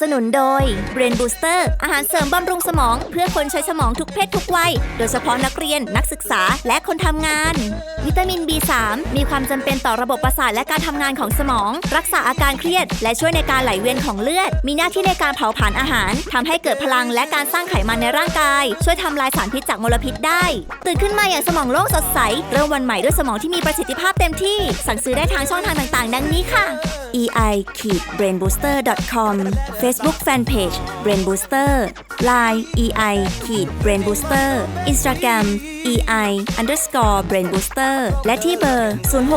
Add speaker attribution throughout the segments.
Speaker 1: นุนโดย Brain Booster อาหารเสริมบำรุงสมองเพื่อคนใช้สมองทุกเพศทุกวัยโดยเฉพาะนักเรียนนักศึกษาและคนทำงานวิตามิน B3 มีความจำเป็นต่อระบบประสาทและการทำงานของสมองรักษาอาการเครียดและช่วยในการไหลเวียนของเลือดมีหน้าที่ในการเผาผลาญอาหารทำให้เกิดพลังและการสร้างไขมันในร่างกายช่วยทำลายสารพิษจากมลพิษได้ตื่นขึ้นมาอย่างสมองโล่งสดใสเริ่มวันใหม่ด้วยสมองที่มีประสิทธิภาพเต็มที่สั่งซื้อได้ทางช่องทางต่างๆดังนี้ค่ะ ei-brainbooster.com Facebook Fanpage Brain Booster Line ei-brainbooster Instagram ei_brain booster และที่เบอร์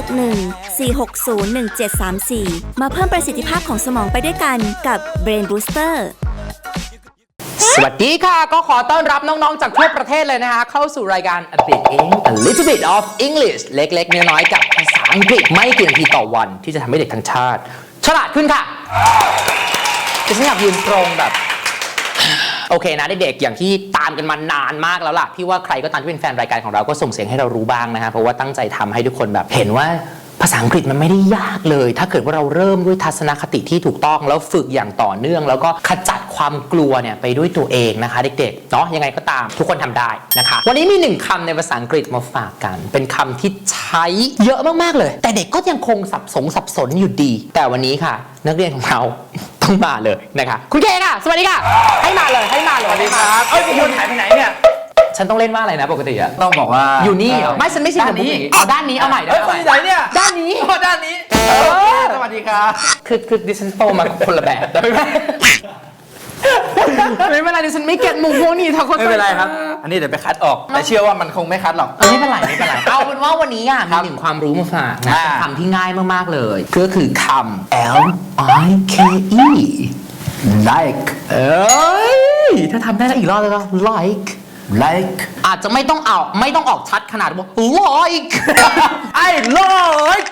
Speaker 1: 061-460-1734 มาเพิ่มประสิทธิภาพของสมองไปด้วยกันกับ Brain Booster
Speaker 2: สวัสดีค่ะก็ขอต้อนรับน้องๆจากทั่วประเทศเลยนะคะเข้าสู่รายการ A Bit Eng A Little Bit of English เล็กๆน้อยๆกับภาษาอังกฤษไม่กี่นาทีต่อวันที่จะทำให้เด็กทั้งชาติฉลาดขึ้นค่ะจะฉันอยากยืนตรงแบบโอเคนะเด็กๆอย่างที่ตามกันมานานมากแล้วล่ะพี่ว่าใครก็ตามที่เป็นแฟนรายการของเราก็ส่งเสียงให้เรารู้บ้างนะฮะเพราะว่าตั้งใจทำให้ทุกคนแบบเห็นว่าภาษาอังกฤษมันไม่ได้ยากเลยถ้าเกิดว่าเราเริ่มด้วยทัศนคติที่ถูกต้องแล้วฝึกอย่างต่อเนื่องแล้วก็ขจัดความกลัวเนี่ยไปด้วยตัวเองนะคะเด็กๆเนาะยังไงก็ตามทุกคนทำได้นะคะวันนี้มีหนึ่งคำในภาษาอังกฤษมาฝากกันเป็นคำที่ใช้เยอะมากๆเลยแต่เด็กก็ยังคงสับสนอยู่ดีแต่วันนี้ค่ะนักเรียนของเราต้องมาเลยนะคะคุณเคค่ะสวัสดีค่ะให้มาเลยสวัสดีครับ
Speaker 3: คุณหายไปไหนเนี่ย
Speaker 2: ฉันต้องเล่นว่าอะไรนะปกติอะ
Speaker 3: ต้องบอกว่า
Speaker 2: อยู่นี่เหรอไม่ฉันไม่ใช่ด้านนี้เอาด้านนี้เอาใหม่ได้ไหม
Speaker 3: คนไหนเนี่ย
Speaker 2: ด้านนี้
Speaker 3: ด้านนี้สวัสดีครับ
Speaker 2: คือดิฉันโตมาคนละแบบไม่เป็นไรดิฉันไม่เก็ตมุกพวกนี้ทั้งคน
Speaker 3: ไม่เป็นไรครับอันนี้เดี๋ยวไปคัดออกแต่เชื่อว่ามันคงไม่คัดหรอก
Speaker 2: ไม่เป็นไรเอาเป็นว่าวันนี้มีหนึ่งความรู้มาฝากนะคำที่ง่ายมากๆเลยก็คือคำ L-I-K-E
Speaker 3: like
Speaker 2: เธอทำได้แล้วอีกรอบเลยก็ like อาจจะไม่ต้องออกชัดขนาดว่า like
Speaker 3: I like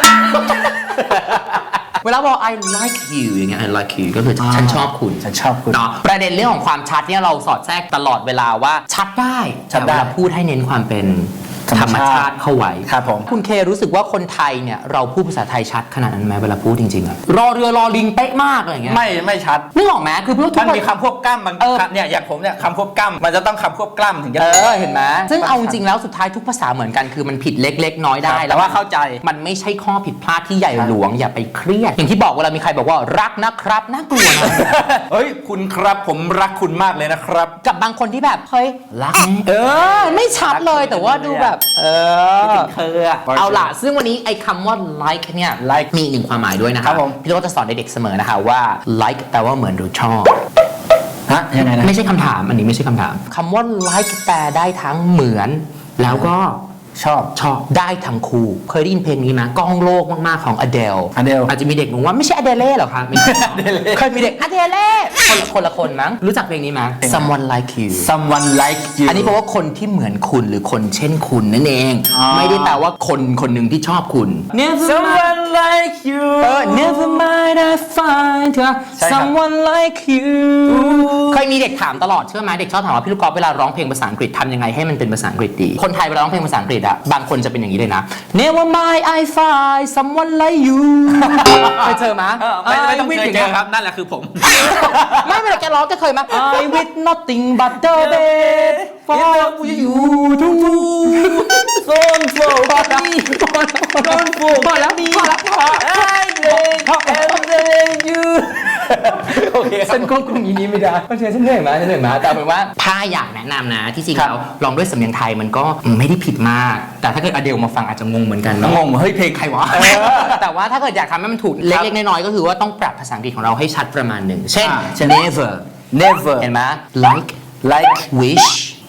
Speaker 2: เวลาบอก I like you อย่างเงี้ย I like you ก็คือฉันชอบคุณเนาะประเด็นเรื่องของความชัดเนี่ยเราสอดแทรกตลอดเวลาว่าชัดได้แต่เวลาพูดให้เน้นความเป็นธรรมชาติเข้าไว้
Speaker 3: ครับผม
Speaker 2: คุณเครู้สึกว่าคนไทยเนี่ยเราพูดภาษาไทยชัดขนาดนั้นไหมเวลาพูดจริงๆอะรอเรือรอลิงเป๊ะมากอะไรอย่างเงี้ย
Speaker 3: ไม่ชัด
Speaker 2: นึกออกไหมคือ
Speaker 3: มันมีคำควบกล้ำบางเนี่ยอย่างผมเนี่ยคำควบกล้ำมันจะต้องคำควบกล้ำถึงจะ
Speaker 2: เห็นไหมซึ่งเอาจริงแล้วสุดท้ายทุกภาษาเหมือนกันคือมันผิดเล็กๆน้อยได้
Speaker 3: แต่ว่าเข้าใจ
Speaker 2: มันไม่ใช่ข้อผิดพลาดที่ใหญ่หลวงอย่าไปเครียดอย่างที่บอกเวลามีใครบอกว่ารักนะครับน่ากลัวนะ
Speaker 3: เฮ้ยคุณครับผมรักคุณมากเลยนะครับ
Speaker 2: กับบางคนที่แบบเฮ้ยรักไม่ชัดเลยแต่ว่าดูแบบเอาล่ะซึ่งวันนี้ไอ้คำว่า like เนี่ย
Speaker 3: like
Speaker 2: มีหนึ่งความหมายด้วยนะครับพี่โรจน์จะสอนเด็กๆเสมอนะคะว่า like แปลว่าเหมือนหรือชอบ
Speaker 3: ยังไงนะ
Speaker 2: ไม่ใช่คำถามอันนี้ไม่ใช่คำถามคำว่า like แปลได้ทั้งเหมือนแล้วก็
Speaker 3: ชอบ
Speaker 2: ได้ทั้งคู่เคยได้ยินเพลงนี้ไหมก้องโลกมากๆของ Adele อาจจะมีเด็กงงว่าไม่ใช่ Adele หรอครับเคยมีเด็ก Adele คนละคนมั้งรู้จักเพลงนี้มั้ย Someone Like You อันนี้แปลว่าคนที่เหมือนคุณหรือคนเช่นคุณนั่นเองไม่ได้แปลว่าคนหนึ่งที่ชอบคุณ
Speaker 3: Someone like you
Speaker 2: Never mind I find someone like you เคยมีเด็กถามตลอดเชื่อไหมเด็กชอบถามว่าพี่ลูกกอล์ฟเวลาร้องเพลงภาษาอังกฤษทำยังไงให้มันเป็นภาษาอังกฤษดีคนไทยเวลาร้องเพลงภาษาอังกฤษอะบางคนจะเป็นอย่างนี้เลยนะ Never mind I find someone like you เคยเจอมั้ย
Speaker 3: ไม่ต้องเคยเจอครับนั่นแหละคือผม
Speaker 2: ไม่เวลาแกร้องแกเคยมั้ย I with nothing but the bed for you to
Speaker 3: don't for me don't for
Speaker 2: แล้ว
Speaker 3: I love you โอเค
Speaker 2: ฉันควบคุมอีนี้ไม่ได้เพราะฉะนั้นฉันเหนื่อยมาแต่เป็นว่าถ้าอยากแนะนำนะที่จริงแล้วลองด้วยสำเนียงไทยมันก็ไม่ได้ผิดมากแต่ถ้าเกิดอเดลมาฟังอาจจะงงเหมือนกัน
Speaker 3: งงเฮ้ยเพลงใครวะ
Speaker 2: แต่ว่าถ้าเกิดอยากทำให้มันถูกเล็กๆน้อยๆก็คือว่าต้องปรับภาษาอังกฤษของเราให้ชัดประมาณหนึ่งเช่น never เห็นไหม like wish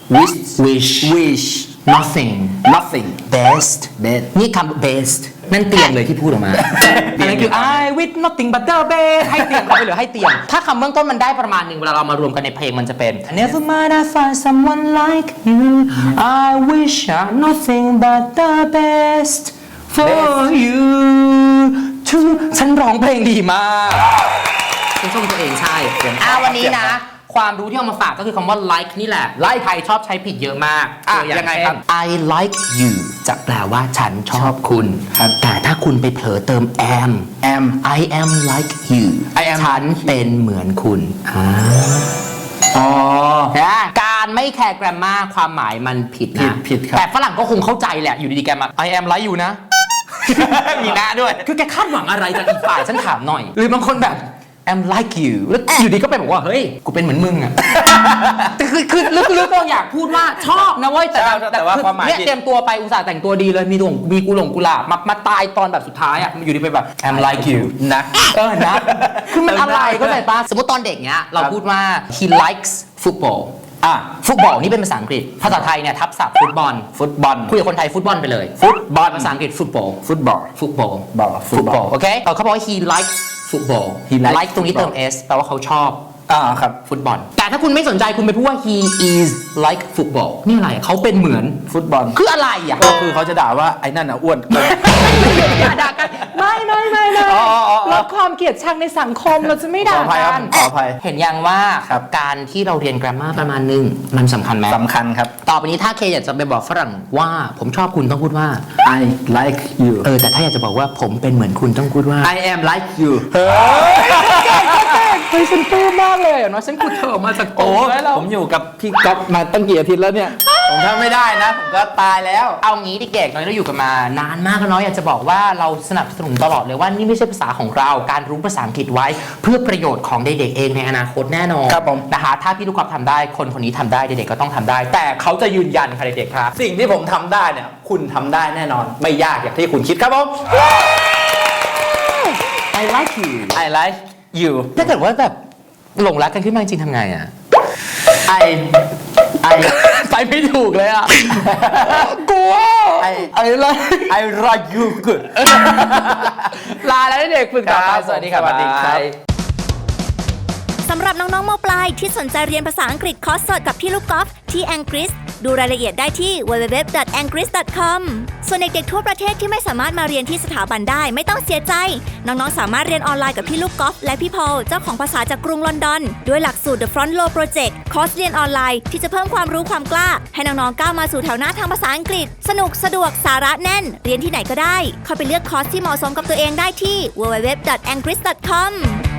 Speaker 2: nothing best นี่คำ best นั่นเตียงเลยที่พูดออกมาอันนั้นคือ I with nothing but the bed ให้เตียงเขาไปเหลือให้เตียงถ้าคำเบื้องต้นมันได้ประมาณหนึ่งเวลาเรามารวมกันในเพลงมันจะเป็น Never mind I find someone like you I wish nothing but the best for you to ฉันร้องเพลงดีมากฉันชมตัวเองใช่วันนี้นะความรู้ที่เอามาฝากก็คือคำว่า like นี่แหละ like ไทยชอบใช้ผิดเยอะมาก
Speaker 3: ยังไงครับ
Speaker 2: I like you จะแปลว่าฉันชอบคุณ
Speaker 3: ครับ
Speaker 2: แต่ถ้าคุณไปเผลอเติม am I am like you
Speaker 3: I am
Speaker 2: ฉันเป็นเหมือนคุณ
Speaker 3: อ๋อ
Speaker 2: นะการไม่แคร์แกรมมาความหมายมันผิดนะ
Speaker 3: ผิดครับ
Speaker 2: แต่ฝรั่งก็คงเข้าใจแหละอยู่ดีๆแกมา I am like you นะ
Speaker 3: มีหน้าด้วย
Speaker 2: คือแกคาดหวังอะไรจากอีกฝ่ายฉันถามหน่อย หรือบางคนแบบ I'm like you แล้วอยู่ดีก็ไปบอกว่าเฮ้ยกูเป็นเหมือนมึงอะ แต่คือลึกๆก็อยากพูดว่าชอบนะเว้ย
Speaker 3: แต่ว่าความหมาย
Speaker 2: เนี่ยเตรียมตัวไปอุตส่าห์แต่งตัวดีเลยมีกุหลาบมาตายตอนแบบสุดท้ายอะอยู่ดีไปแบบ I'm like you
Speaker 3: นะ
Speaker 2: นะคือมันอะไรก็ใจป้าสมมติตอนเด็กเนี้ยเราพูดว่า he likes football ฟุตบอลนี่เป็นภาษาอังกฤษภาษาไทยเนี่ยทับศัพท์ฟุตบอลคุยกับคนไทยฟุตบอลไปเลยฟุตบอลภาษาอังกฤษฟุตบอลโอเคเขาบอกว่า he likes football like ตรงนี้เติม s แปลว่าเขาชอบ
Speaker 3: ครับ
Speaker 2: ฟุตบอลแต่ถ้าคุณไม่สนใจคุณไปพูดว่า he is like football นี่อะไรเขาเป็นเหมือน
Speaker 3: ฟุตบอล
Speaker 2: คืออะไรอ่ะ
Speaker 3: ก็คือเขาจะด่าว่าไอ้นั่นอ้วน
Speaker 2: อย่าด่ากันไม่ลดความเกลียดชังในสังคมเราจะไม่ด่ากัน
Speaker 3: ขออภัย
Speaker 2: เห็นยังว่าการที่เราเรียน grammar ประมาณนึงมันสำคัญไหม
Speaker 3: สำคัญครับ
Speaker 2: ต่อไปนี้ถ้าเคอยากจะไปบอกฝรั่งว่าผมชอบคุณต้องพูดว่า
Speaker 3: I like you
Speaker 2: แต่ถ้าอยากจะบอกว่าผมเป็นเหมือนคุณต้องพูดว่า
Speaker 3: I am like you
Speaker 2: เฮ้ยฉันปลื้มมากเลยเนาะฉันขุดเธอออกมาจากโอ้
Speaker 3: ผมอยู่กับพี่ก๊อฟมาตั้งกี่อาทิตย์แล้วเนี่ย ผมทำไม่ได้นะผมก็ตายแล้ว
Speaker 2: เอางี้เด็กๆน้อยเราอยู่กันมานานมากแล้วเนาะอยากจะบอกว่าเราสนับสนุนตลอดเลยว่านี่ไม่ใช่ภาษาของเราการรู้ภาษาอังกฤษไว้เพื่อประโยชน์ของเด็กๆเองในอนาคตแน่นอน
Speaker 3: ครับผม
Speaker 2: นะคะถ้าพี่ลูกกอล์ฟทำได้คนนี้ทำได้เด็กๆก็ต้องทำได้ แต่เขาจะยืนยันค่ะเด็กๆครับ
Speaker 3: สิ่งที่ผมทำได้เนี่ยคุณทำได้แน่นอนไม่ยากอย่างที่คุณคิดครับผม
Speaker 2: I like you
Speaker 3: I like you
Speaker 2: ถ้าเกิดว่าแบบหลงรักกันขึ้นมาจริงๆทำไงอ่ะ
Speaker 3: I
Speaker 2: ไปไม่ถูกเลยอ่ะกลัว
Speaker 3: I like you good
Speaker 2: ลาแล้วเด็กฝึกต่อไปสวัสดีครับ
Speaker 1: สำหรับน้องๆม.ปลายที่สนใจเรียนภาษาอังกฤษคอร์สสดกับพี่ลูกกอล์ฟที่ Angris ดูรายละเอียดได้ที่ www.angris.com ส่วนเด็กๆทั่วประเทศที่ไม่สามารถมาเรียนที่สถาบันได้ไม่ต้องเสียใจน้องๆสามารถเรียนออนไลน์กับพี่ลูกกอล์ฟและพี่พอลเจ้าของภาษาจากกรุงลอนดอนด้วยหลักสูตร The Front Row Project คอร์สเรียนออนไลน์ที่จะเพิ่มความรู้ความกล้าให้น้องๆก้าวมาสู่แถวหน้าทางภาษาอังกฤษสนุกสะดวกสาระแน่นเรียนที่ไหนก็ได้เข้าไปเลือกคอร์สที่เหมาะสมกับตัวเองได้ที่ www.angris.com